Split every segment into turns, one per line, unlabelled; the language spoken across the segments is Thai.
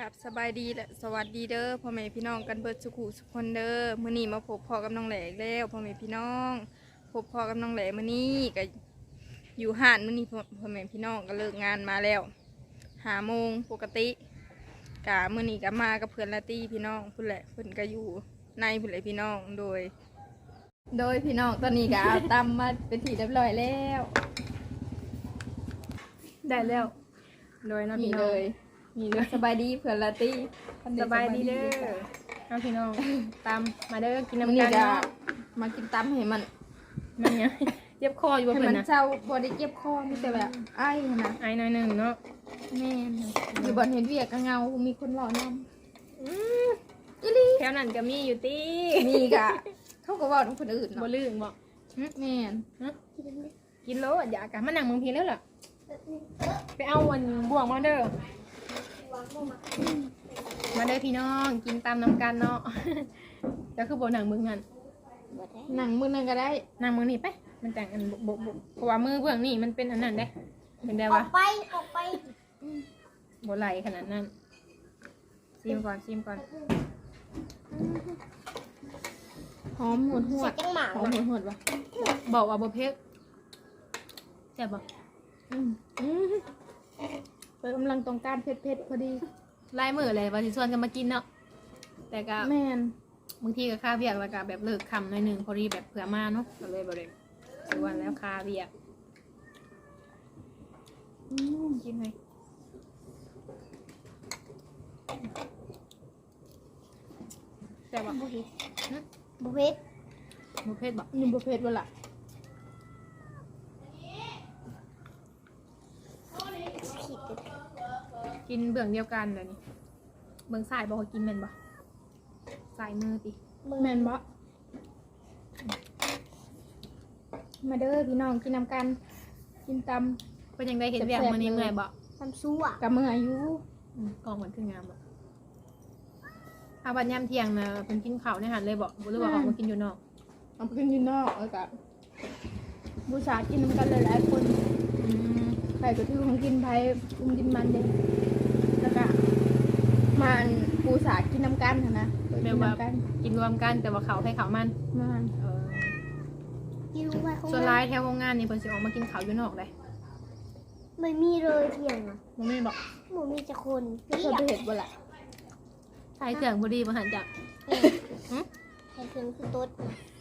กับสบายดีและสวัสดีเด้อพ่อแม่พี่น้องกันเบิดสุขุสุขคนเด้อมื้อนี้มาพบพ่อกับน้องแหลกแล้วพ่อแม่พี่น้องพบพ่อกับน้องแหลมื้อนี้ก็อยู่ห้านมื้อนี้พ่อแม่พี่น้องก็เลิกงานมาแล้ว5 โมงปกติกะมื้อนี้ก็มากับเพื่อนลาตี้พี่น้องพุ่นแหละเพิ่นก็อยู่ในพุ่นแหละพี่น้องโดยพี่น้องตอนนี้ก็เอาตำมาเป็นที่เรียบร้อยแล้วได้แล้วโดยเนาะพี่น้องมีเลยสบายดีเผื่อลาตี้
สบายดีเด้อเอาพี่น้องตามมาเด้อกินน้ำ
นี่
กัน
จะ
เนาะ
มากินตำให้มัน
มันเนี่ยเจ็บคออยู่บ่
ให้
เพิ่
มัน
นนะ
เจ้าบอได้เจ็บคอมีแต่แบบไอ้นะ
ไอ้หน่อยหนึงเนาะ
แม่อยู่บนเห็นเวียกเงามีคนหล่อน
อืมแถวนั้นก็มีอยู่ติ
ำมีกะเขาก็ว่าต้องคนอื่น
บ่
เนาะ
ลืมบ่
แม่น
ฮะกินโลดอยากกะมานั่งเมืองพีแล้วล่ะไปเอาวันบ่วงมาเด้อมาเด้อพี่น้องกินตามน้ำกันเนาะก็คือบ่หนังมึงนั่น
หนังมือนึงก็ได้
นั่งมึงนี่ไปมันแต่งอันบ่เพราะว่ามือเบื้องนี่มันเป็นอันนั้นเด้เป็นได้
อ
วะ
อกไป
บ่ไหลขนาดนั้นชิมก่อน
หอมหวดหว
เสร็
ด
จจังหมา
หอมหวดวะ
บอกว่าบ่เผ็ดแซ่บบ่
ไปกำลังต้องการเผ็ดพอดี
ลายมือเลยว่าสิชวนกันมากินเนาะแต่ก็
แม่น
บางทีก็ค่าเวียกแล้วก็แบบเลิกคำหน่อยหนึงพอดีแบบเผื่อมาเนาะก็เลยบ่ได้ชวนแล้วค่าเวียกกินไหมแซ่บบ่
บุเฮ็ด
หึ
บุเฮ็ด
บ่เผ็ดบ่
นี่บ่เผ็ดบ่ล่ะ
ผิด
กินเบื้องเดียวกันเลยนี่เบื้องซ้ายบ่เขากินแม่นบ่ซ้ายมือติ
แม่นบ่มาเด้อพี่น้องกินน้ำกันกินต
เป็นยังไงเห็นเวียกมื้อนี้เมื่อยบ่
ทำซั่ว
ำกับมืออายุ
กองมันคืองามบ่อาบัดยามเที่ยงนะเพิ่นกินข้าวในหันเลยบ่หรือว่าออกมากินอยู่นอก
เอาไปกินอยืนนอกแล้วกับบูชากินน้ำกันหลายๆคน ใครก็ถือของกินไผ่คุมกินมันเด้แล้วก็มันปูสากินน้ำกันหั่นนะกิน
แบบว่า
น้ำกัน
กินรวมกันแต่ว่าเขาให้เขามัน
มัน
กินลงไปข้าง
ส่วน
ล่า
ร้าง ยแถวโรงงานนี่เพิ่นสิออกมากินข้าวอยู่นอกได้
ไม่มีเลยเที่ยงอ่ะ
บ่แม่นบ่
หมูมีแต่คน
ก็เคยไปเห็ดบ่ล่ะ
ใส่เครื่องบ่ดีบ่หันจัก
ใครเครื่องคือต๊ด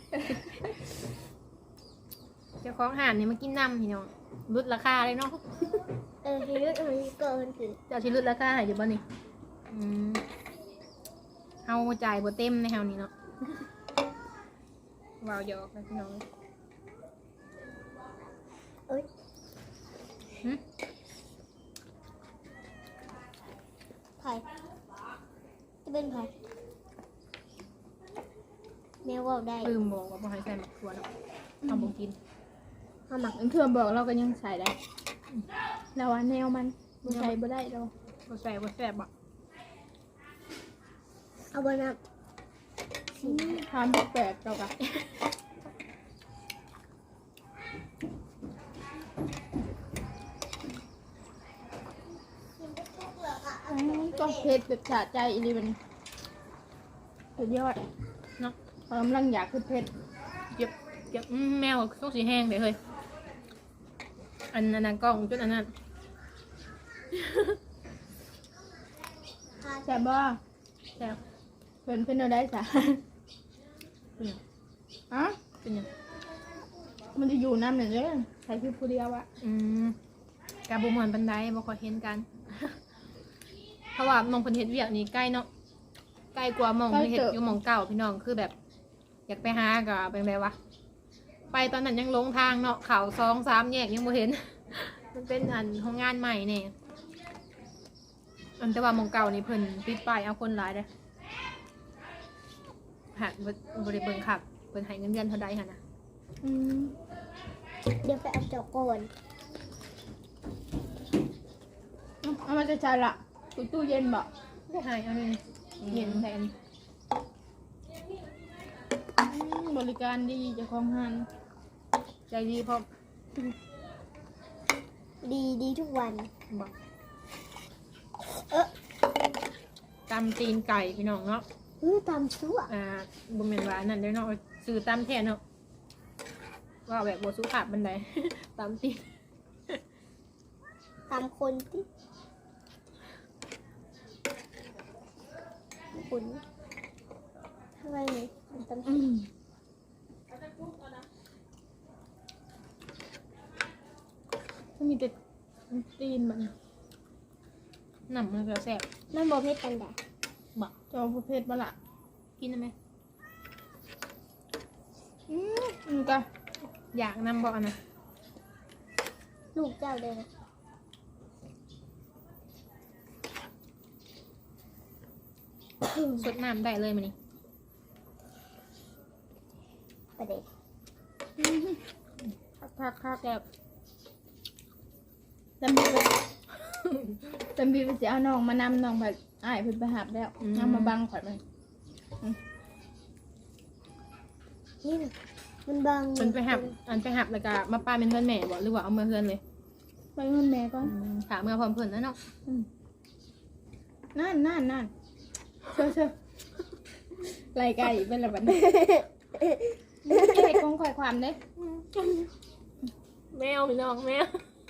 เจ้าของห้านนี่มากินน้ำพี่น้องลดราคาเลยเนาะ
ชีวิตมันเกินถึง
เจ้าสิลดราคาให้อยู่บ่นี่เฮาจ่ายบ่เต็มในเฮานี่เนาะว้าวหยอกนะพี่น้อง
เอ้ย
หึ
ไผ่จะเป็นไผ่แมวว่าได้
ลืมบอกว่าบ่ให้ใส่หมักถั่วเนาะเอาบ่กิน
ห้าหมัก
เพื่อนบอกเราก็ยังใส่ได้แต่ว่าแนวมันบ่ใส่บ่ได้เรา
บ่ใส่บ่แซ่บบ่
เอาไว้นะ
ทานแปลกๆเราก็ก็เผ็ดแบบสะใจอีหลีมันสุดยอด
เนาะ
กำลังอยากคือเผ็ด
เก็บแมวต้องสีแห้งเดี๋ยวเฮ้ยอันนั้นกล้องจุดอันนั้น
แซ่บบ่
แซ่บ
เป็นเอาได้จ้ะ
เป็นหยัง
อ่ะ
เป็นหยัง
มันจะอยู่น้ำหนึ่งเลยใส่คือผู้เดียวอะ
กาบุมอนบันไดบ่ค่อยเห็นกัน เพราะว่ามองเพิ่นเฮ็ดเวียกนี่ใกล้เนาะใกล้กว่าหมองที่เฮ็ดอยู่หมองเก่าพี่น้องคือแบบ อยากไปหาก็เป็นไงวะไปตอนนั้นยังหลงทางเนาะเขา2-3 แยกยังบ่เห็น มันเป็นอันโรงงานใหม่เนี่ยอันแต่ว่าหมองเก่านี่เพิ่นปิดป้ายเอาคนหลายเด้อหากบ่ได้เบิ่งคักเพิ่นให้เงินเดือนเท่าใดหั่นน่ะ
เดี๋ยวไปเอาเจ้าก่อน
เอามาจะใช่ละตู้เย็นบ่
ได้ให้เอาเลยเห็นแทน
บริการดีเจ้าของห้าง
ใจดีพร้อม
ดีทุกวัน
บอกตำตีนไก่พี่น้องเนาะ
ตำซั่ว
บ่แม่นว่าอันนั่นเด้อเนาะซื้อตำแท้เนาะว่าแบบบ่สุภาพบันได ตำตีน
ตำคนที่คุณทำไมเนี่ยตำ
ก็มีแต่ตีนมัน
หนำมันก็แซ่บ
มันโบเพ็ดกันแดด
บ่
จอประเภทบ่ละ
กินได้ไหม
ก็
อยากนำบ่อันนะ
ลูกเจ้าเลยนะ
สดน้ำได้เลยมื้อนี้
ประเด็น
คัก
แซ่บ
จำบีไปจำบีไปจะเอาน้องมานำน้องแบบอ้ายเพิ่นไปหับแล้วเอามาบังข่อยมัน
นี่นะมันบาง
เพิ่นไปหับแล้วก็มาป้าเป็นเพื่อนแม่บ่หรือว่าเอามาเพื่อนเลย
ไปเงินแม่ก่อน
ถามเมื่อพร้อมเพิ่นนะเนาะ
นั่นเชื่อรายการอีกเป็นระบัดนี้ไอ้กองข่อยความเด้
แมวพี่น้องแมว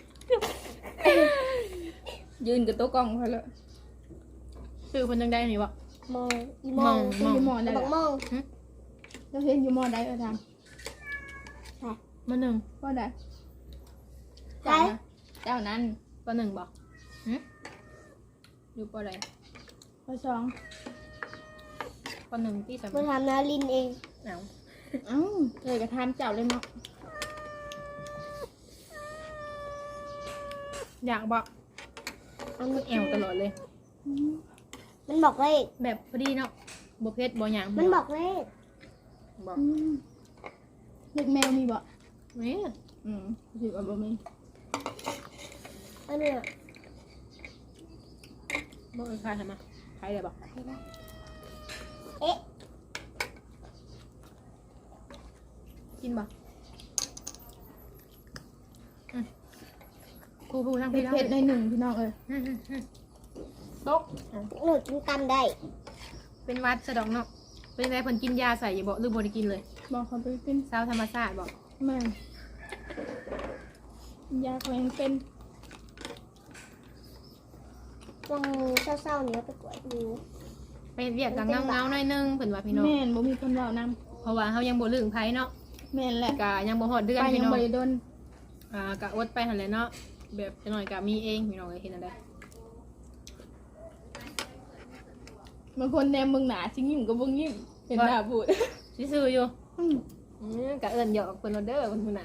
ยืนกับโต๊ะกล้องเขาเลย
คือเพิ่นจังได้นี่บ่
มองอี
มอง
เห็นอยู่มอได้
บังมอง
เราเห็นอยู่มอได้ท
มื้อหนึง
ำก็ได้
ใช่
เจ้านั้น
ปหนึ่งบ่อยู่ปใด
ข้อสอง
ปหนึ่งที่สาม
มาทำนาลินเอง
เอา
เลยกระทำเจ้าเลยเนาะ
อยากบ่
มัน
แอวตลอดเลย
มันบอกเลข
แบบพอดีเนาะบ่เผ็ดบ่หยัง
มันบอกเลข
บอก
เด็กแมวมีบ่
นี่
ถือว่าบ่มี
อันเนี้ย
บ่เออขายทำไมขายได้บ่
ใครได้เอ๊ะ
กินบ่ครูทั้งพี่ทั้ง
เผ็ดในหนึ่งพี่น้องเอ้ย
ตก
หนูกินตำได้
เป็นวัดสะดอกเนาะเป็นไงเพิ่นกินยาใส่อยู่บ่หรือบ่ได้กินเลย
บอกเขาไปกิน
สาวธรรมชาติบ่
แม่ยาเขายังเป็น
วังเศร้าๆเนี้ยไปกวดดู
ไปเรียกกับเงาๆหน่อยนึงเพิ่นว่าพี่น้อง
แม่นบ่มีคนเว้านำ
เพราะว่าเฮายังบ่ลืมไผเนาะ
แม่นแหละ
ก็ยังบ่ฮอดเดือน
ไป
พี่
ยัง
น้อง
บ่ได้โดน
ก็อดไปหั่นแหละเนาะแบบจังหน่อยก็มีเองพี่น้องเอ้ยเฮ็ดจังได๋
บางคนแนมเบิ่งหน้าสิยิ้มก็บ่ยิ้มเป็นหน้าบูด
ซื่อๆอยู่ก็เอิ้นหยอกเพิ่นว่าเด้อเพิ่นผู้หนา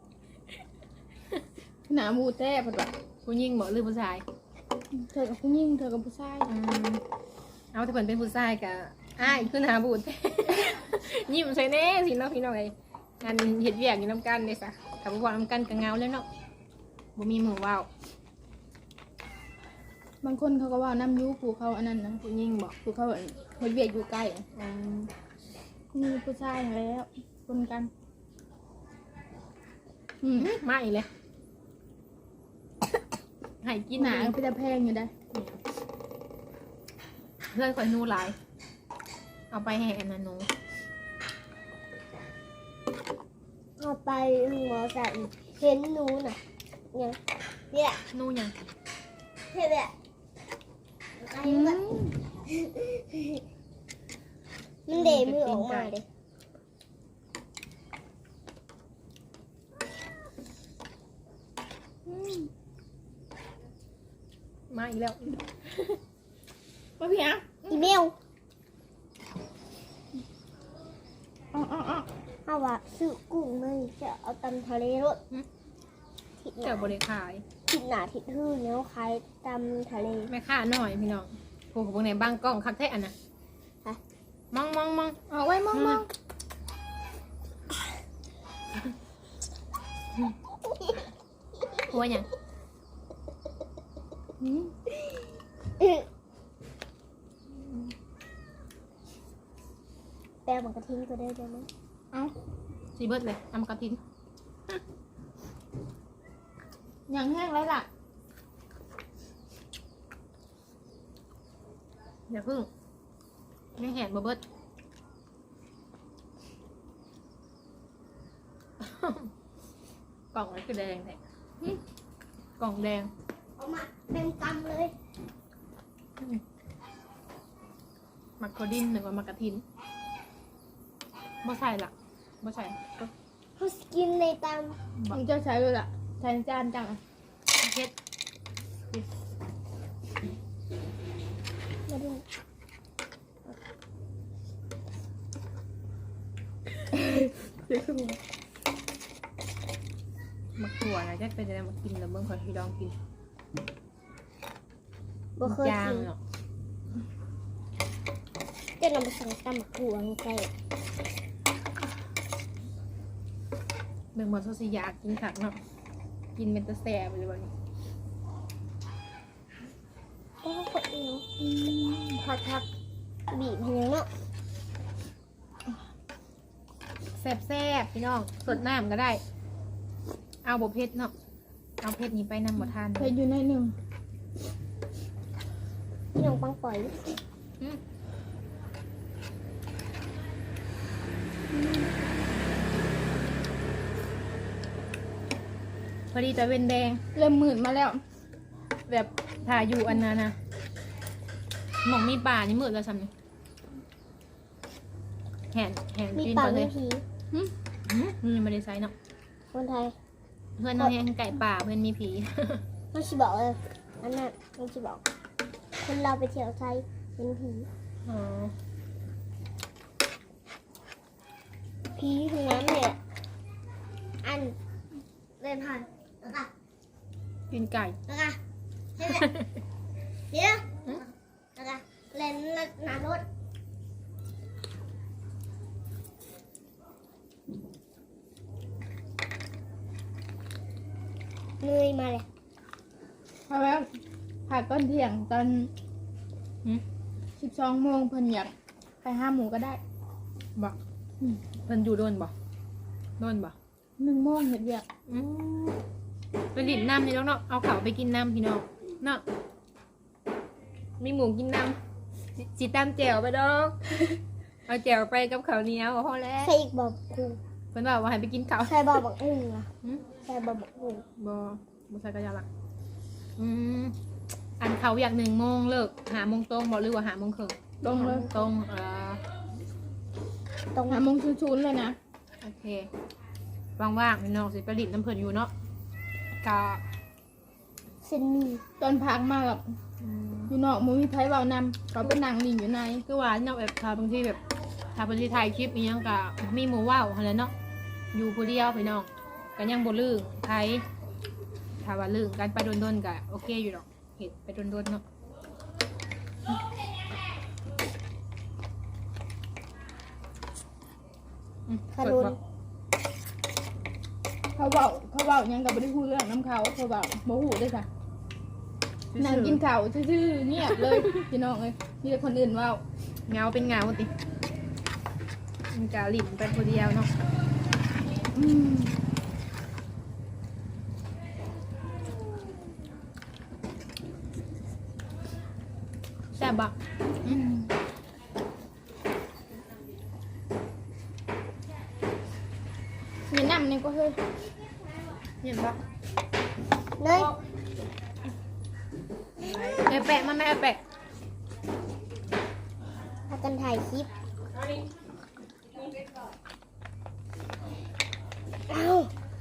หน้าบูดแท้เพิ่นว่า
ผู้หญิงบ่หรือผู้ชาย
เธอกับผู้หญิงเธอกับผู้ชาย
เอาถ้าเพิ่นเป็นผู้ชายก็อ้ายคือหน้าบูด ยิ้มใส่แน่สิเนาะพี่น้องเอ้ยงานเฮ็ดเวียกอยู่นํกันเด้ซะถ้าบ่เว้านำกันก็เหงาแล้วเนาะบ่มีหมู่เว้า
บางคนเขาก็ว่าน้ำยูผู้เขาอันนั้นนะ
ผู้หญิงบ่
ผู้เขาเฮ็ดเวียกอยู่ใกล้
อืม
มีผู้ชายแล้วคนกัน
มาอีกเลยให้กิน
หนาก็จะแพงอยู่ได้
เพื่อนคอยนูหลาย เอาไปให้อันนั้นหนู
เอาไปหมอใส่เห็นหนูน่ะเนี่ย
นูหยัง
เห็นเนี่ยไอ้มันมันเดมือออกมาเลย
มาอีกแล้ว
มาพี่อ่ะ
อีเมล
อ๋อ
เอาว่าซื้อกุ้งมาจะเอาตำทะเลรสทิศห
เจ้า
นา
บริขาย
ทิศหนาทิศหื้อเนี้ยขายตำทะเล
แม่ค้าหน่อยพี่น้องพวกพวกไหนบางกล้องคักแท้อันน่ะ
ฮะ
มอง
เอาไว้มอง
หัวหยัง
แปลมันกระทิ้งก็ได้ไหม
เอา
สีเบิดเลยทำกระทิน
อย่างแห้งไรล่ะ
อย่าพึ่งไม่แหนบ่เบิด กล่องนั้นคือแดงแท้กล่องแดง
เอามาเป็นกำเลย
มักโคดินหรือว่ามักกะทินบ่ใส่ละบ่ใส่
เขาสกินในตาม
บ่
มึงเจ้าใช้เลยล่ะใช้จานจังอะ
เฮ็ด
มาดู
มักถั่วนะจะเป็นจะได้มากินแล้วเบิ่งขอที่ลองกิน
บ่เคย
ยาง
กิน
เนาะ
จะนำไปใส่ตำหมักหัวใส่
เบิ่งบ่ซอสิอยากกินคักเนาะกินเป็นตะแซ่บเลยบ่นี่
ก็กดเนาะพักบีบให้เนาะ
แซ่บๆพี่น้องสดน้ำก็ได้ เอาบ่เผ็ดเนาะเอาเผ็ดนี้ไปนำบ่ทาน
เคยอยู่ในหนึ่ง
พี่น้องปังปล่อย
อืมพอดีตะเวนแดง
เริ่มหมื่นมาแล้ว
แบบถ่ายอยู่อันนั้นนะหมองมีป่านี่มืดแล้วซ้ำนี่แหน
มี
กิน
ปา
ก่
ก
อนเล
มี
ย
ผี
นี่ไม่ได้ใส่เนาะ
คนไทย
เพื่อนน้องแหงไก่ป่าเพื่อนมีผี
มันชิบอกเลยอันนั้นมันชิบอก คนเราไปเที่ยวไทยเป็นผี
อ๋อ
ผีทั้งนั้นเนี่ยอันเล่นผ่านแล้วก็
กินไก่
แล้วก็เฮ้ยเดี๋ยวแล้วก็เล่นหน้ารถเหนื่อยมาเลย
เพราะว่าผ่าก้อนเที่ยงตอน
หืม
12 โมงเพิ่นอยากไปหาหมูก็ได้
บอกเพิ่นอยู่โดนบ่โดนบ่
1 โมงเฮ็ดเวียก
อืมไปดินน้ำนี่แล้วเนาะเอาเขาไปกินน้ำพี่น้องเนาะมีหมูกินน้ำจิตามแจวไปดอก เอาแจวไปกับข้าวเหนียวพอแล้ว
ใส่อีกบอกกู
เพิ่นบอกว่าให้ไปกินข้าว
ใส่บอกบักหุ่งล่ะ
หืม
ใส่บอกบักหุ่ง
บ่ใส่กระยาละอันเขาอยาก1 โมงเลิก5 โมงตรงบ่หรือว่า5 โมงครึ่ง
ลงเลย
ตรง
ตรง
5 โมงชุนๆเลยนะ
โอเคว่างๆพี่น้องสิไปดินน้ำเพิ่นอยู่เนาะกะ
เส้นหมี
ตอนพักมาแบบอยู่นอกบ่มีไผเว้านำเขาไปนั่งนิ่งอยู่ใน
คือว่าเนาะแบบถ้าบางทีแบบถ้าบางทีถ่ายคลิปอีหยังกะมีหมู่ว่าวหั่นแหละเนาะอยู่ผู้เดียวพี่น้องก็ยังบ่ลืมไทยถ้าว่าลืมกันไปโดนๆก็โอเคอยู่ดอกเฮ็ดไปโดนๆเนาะ
ขนุน
เขาเว้าหยังก็บ่ได้ฮู้เรื่องนํเขาเขาเว้าบ่ฮู้เด้อค่ะนั่งกินข้าวซื่อๆเงียบเลยพี่น้องเอ้ยมีแต่คนอื่นเว้า
เงาเป็นเงาติมันกะหลินไปผู้เดียวเนาะ
อืม
แซ่บบ่
อืมมีน้ำนี่ก็เฮ้ย
เห็นบ่
เนย
แม่แปะมาแม่แปะ
พากันถ่ายคลิปเอ้า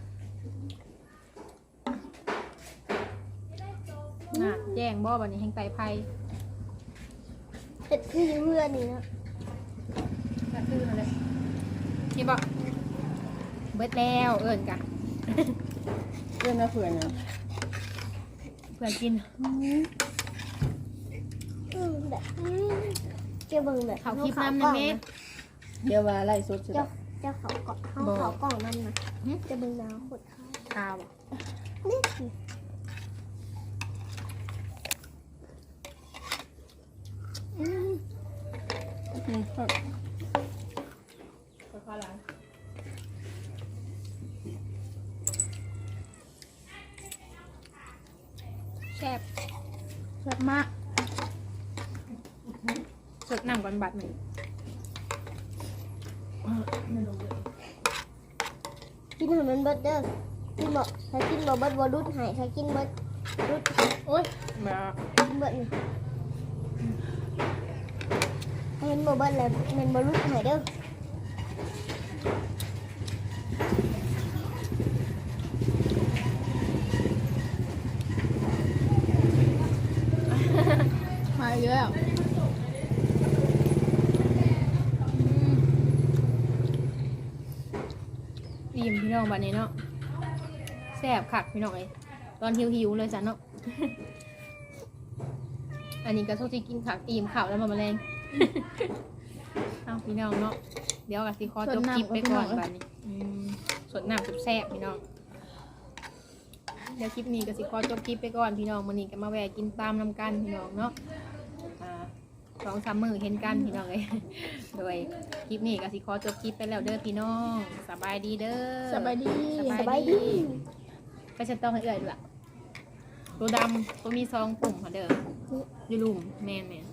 น่ะแจ้งบ่บัดนี้แห่งไตไผ
เห็ดคือเพื่อนนี่นะ
ก็คืออะไรนี่บ่เบิดแล้วเอิ้นกะ
เรื่องน่าเผื่อนะ
เพื่อกิน
แบบเจ้าเบิ่งแบบ
เขาคลิปน้ำนะแม่
เดี๋ยวว่าไล่สุดสิ
เจ้าเขาเกาะเขากล่องนั่นนะจะเบิ่งน้ำขดเขา
ข้าวบ่
นี่
ข้าวหลัง
แซ่บแซ่บมาก
สดน้ำก่อนบัดหนึ่ง
กินให้มันเบิดเด้อกินบ่ถ้ากินบ่เบิดบ่รุดให้ถ้ากินเบิดรุด
โอ้ยมา
กินเบิดนี่ถ้ามันบ่เบิดแล้วมันบ่รุดให้เด้อ
มาเยอะ
อิ่มพี่น้องบัดนี้เนาะแซ่บคักพี่น้องเอ้ยตอนหิวๆเลยจ้ะเนาะ อันนี้ก็โทษที่กินผักอิ่มข่าวแล้วมาแมลง เอาพี่น้องเนาะเดี๋ยวกับสิคอจบคลิปไปก่อนบัดนี้ส่วนน้ำแซ่บๆพี่น้องเดี๋ยวคลิปนี้ก็สิคอจบคลิปไปก่อนพี่น้องมื้อนี้ก็มาแวะกินตามน้ำกันพี่น้องเนาะ2-3 มื้อเห็นกันพี่น้องเอ้ย โดยคลิปนี้ก็สิขอจบคลิปไปแล้วเด้อพี่น้องสบายดีเด้อ
สบายดี
สบายดี
ก็จะต้องให้เอื่อยด้วยล่ะตัวดำตัวมีซองปุ่มค่ะเด้ออยู่ลุ่มแม่น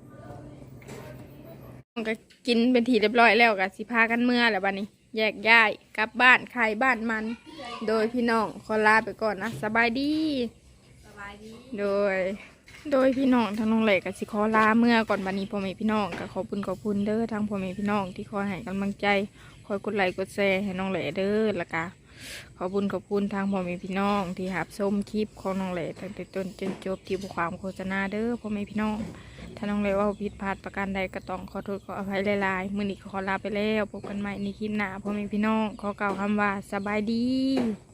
ก็กินเป็นทีเรียบร้อยแล้วก็สิพากันเมื่อแล้วบัดนี้ แยกย้ายกลับบ้านใครบ้านมัน โดยพี่น้องขอลาไปก่อนนะสบายดี โดยพี่น้องทั้งน้องเหล็กกับสิขอลาเมื่อก่อนบันนี้พ่อแม่พี่น้องก็ขอบคุณเด้อทางพ่อแม่พี่น้องที่คอยให้กำลังใจคอยกดไลค์กดแชร์ให้น้องเหล็กเด้อแล้วก็ขอบคุณทางพ่อแม่พี่น้องที่หับชมคลิปของน้องเหล็กตั้งแต่ต้นจนจบที่บความโฆษณาเด้อพ่อแม่พี่น้องถ้าน้องเหล็กว่าผิดพลาดประการใดก็ต้องขอโทษขออภัยหลายๆมื้อนี้ก็ขอลาไปแล้วพบกันใหม่ในคลิปหน้าพ่อแม่พี่น้องขอกล่าวคำว่าสบายดี